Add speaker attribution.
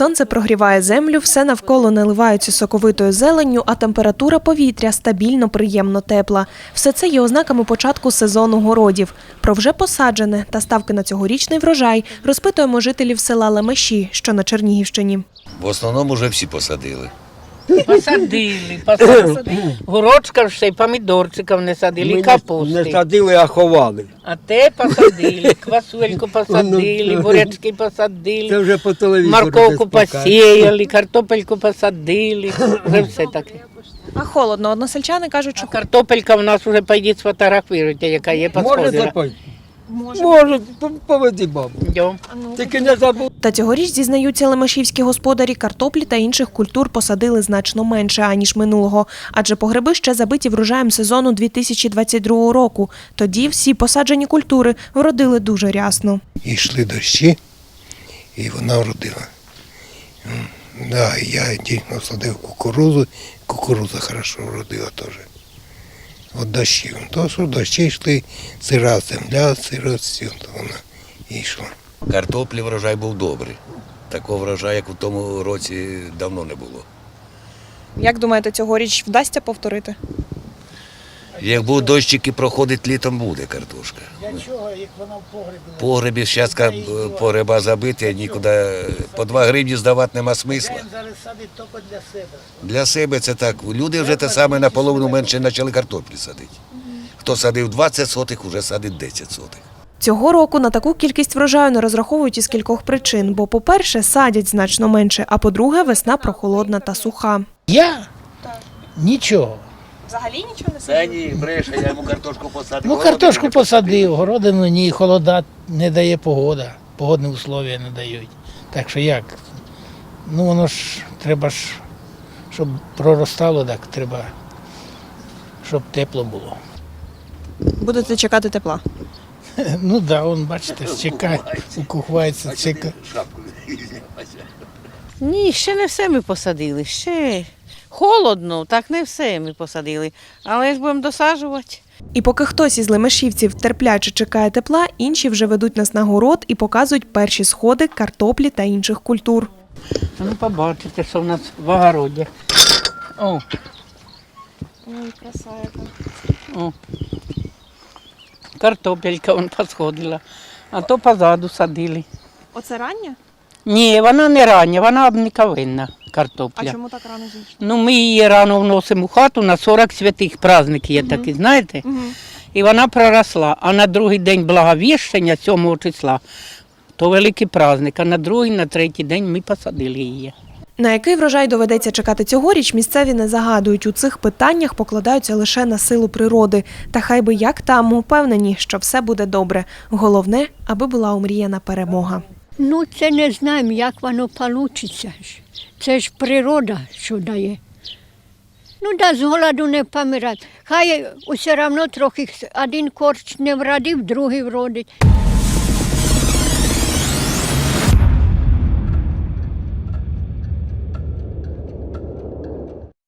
Speaker 1: Сонце прогріває землю, все навколо наливається соковитою зеленню, а температура повітря стабільно приємно тепла. Все це є ознаками початку сезону городів. Про вже посаджене та ставки на цьогорічний врожай розпитуємо жителів села Лемеші, що на Чернігівщині.
Speaker 2: В основному вже всі посадили.
Speaker 3: Посадили. Горочка ще й помідорчиків не садили, і капусти.
Speaker 4: Не садили, а ховали.
Speaker 3: А те посадили, квасольку посадили, бурячки
Speaker 4: Це
Speaker 3: посадили,
Speaker 4: вже по телевізору.
Speaker 3: морковку
Speaker 4: десь покажуть.
Speaker 3: посіяли, картопельку посадили, вже все таке.
Speaker 1: А холодно. Односельчани кажуть, що
Speaker 3: Картопелька в нас вже, пойдіть сфотографуйте, яка є,
Speaker 4: Може
Speaker 3: посходила.
Speaker 4: запити? Може, поведи бабу.
Speaker 3: Йдем.
Speaker 4: Тільки не забудь.
Speaker 1: Та цьогоріч, зізнаються лемешівські господарі, картоплі та інших культур посадили значно менше, аніж минулого. Адже погреби ще забиті врожаєм сезону 2022 року. Тоді всі посаджені культури вродили дуже рясно.
Speaker 5: І йшли дощі, і вона вродила. Да, я дійсно садив кукурудзу, кукурудза хорошо вродила теж. От дощів. То, що дощі йшли, сира земля, сира все, то вона і йшла.
Speaker 2: Картоплі врожай був добрий. Такого врожаю, як у тому році, давно не було.
Speaker 1: Як думаєте, цьогоріч вдасться повторити?
Speaker 2: Як будуть дощики проходить, літом буде картошка.
Speaker 6: Для чого, як вона в погребі?
Speaker 2: Погребі, зараз погреба забиті, нікуди по 2 гривні здавати нема смисла.
Speaker 6: Він зараз садить тільки для себе.
Speaker 2: Для себе це так. Люди вже те саме наполовину менше почали картоплі садити. Хто садив 20 сотих, вже садить 10 сотих.
Speaker 1: Цього року на таку кількість врожаю не розраховують із кількох причин. Бо, по-перше, садять значно менше, а по-друге, весна прохолодна та суха.
Speaker 6: Я? Нічого.
Speaker 1: Взагалі нічого не
Speaker 2: Це ні, бреше, я йому картошку посадив.
Speaker 6: Ну, картошку посадив, городину ні, холода не дає погода, погодні условия не дають. Так що як? Ну, воно ж, треба ж, щоб проростало, так треба, щоб тепло було.
Speaker 1: Будете чекати тепла?
Speaker 6: Ну так, да, он, бачите, чекає, укухається, чекає.
Speaker 7: Ні, ще не все ми посадили, ще холодно, так не все ми посадили, але ж будемо досаджувати.
Speaker 1: І поки хтось із лемешівців терпляче чекає тепла, інші вже ведуть нас на город і показують перші сходи картоплі та інших культур.
Speaker 3: Ну, побачите, що в нас в огороді. О.
Speaker 1: Ой, краса яка.
Speaker 3: О. Картопелька вон посходила, а то позаду садили.
Speaker 1: Оце рання?
Speaker 3: Ні, вона не рання, вона обниковинна картопля.
Speaker 1: так рано зійшла?
Speaker 3: Ну, ми її рано вносимо в хату, на 40 святих праздник є такий, знаєте? І вона проросла. А на другий день Благовіщення, 7 числа, то великий праздник, а на другий, на третій день ми посадили її.
Speaker 1: На який врожай доведеться чекати цьогоріч, місцеві не загадують. У цих питаннях покладаються лише на силу природи. Та хай би як там, упевнені, що все буде добре. Головне, аби була омріяна перемога.
Speaker 8: Ну, це не знаємо, як воно вийде. Це ж природа, що дає. Ну, да, з голоду не помирати. Хай усе одно трохи один корч не вродив, другий вродить.